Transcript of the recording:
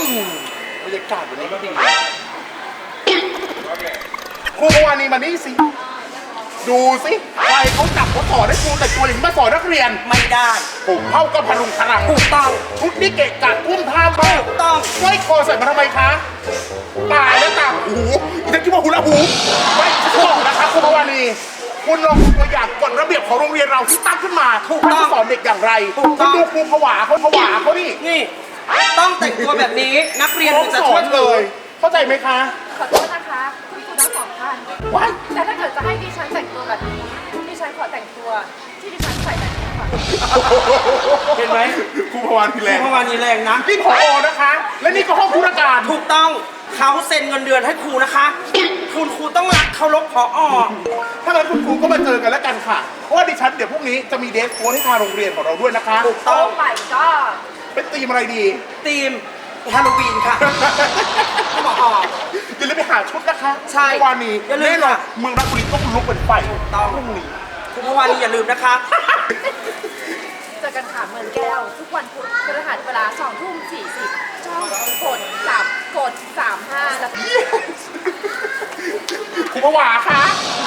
บรรยากาศวันนี้ก็ดีครูพวานีมานี่สิดูสิใครเขาจับเขาสอนให้ครูแต่งตัวอย่างนี้มาสอนนักเรียนไม่ได้ผมเข้ากับพลุงพลังถูกต้องชุดนี้เกะกะทุ่มท่ามากถูกต้องสร้อยคอใส่มาทำไมคะตายแล้วต่างหูฉันคิดว่าหูละหูไม่ฉันบอกนะครับครูพวานีคุณลองดูตัวอย่างกฎระเบียบของโรงเรียนเราที่ตั้งขึ้นมาคุณจะสอนเด็กอย่างไรคุณดูครูผวาเขานี่ต้องแต่งตัวแบบนี้นักเรียนถึงจะสช่อวยนเลยเข้าใจไหมคะขอโทษนะคะคุณครูทั้งสองท่านแต่ถ้าเกิดจะให้ดิฉันแต่งตัวแบบนี้ดิฉันขอแต่งตัวที่ดิฉันใส่แบบนี้ค่ะเห็นไหมครูพวานีแรงครูพวานีแรงนะนี่ผอนะคะ และนี่ก็ห้องธุรการถูกต้องเขาเซ็นเงินเดือนให้ครูนะคะคุณครูต้องรักเคารพผอ. ถ้างั้นคุณครูก็มาเจอกันแล้วกันค่ะเพราะว่าดิฉันเดี๋ยวพรุ่งนี้จะมีเดสโค้ดให้ทางโรงเรียนของเราด้วยนะคะถูกต้องโอ้ my god เป็นธีมอะไรดีธีมฮาโลวีนค่ะผอ. อย่าลืมไปหาชุดนะคะใช่วันนี้แน่นอนเมืองราชบุรีต้องลุกเป็นไฟต้องพรุ่งนี้คุณพวานีอย่าลืมนะคะเจอกันค่ะเมืองแก้วทุกวันพุธพฤหัสเวลา2:40ช่องกด 35แล้วครูผวาคะ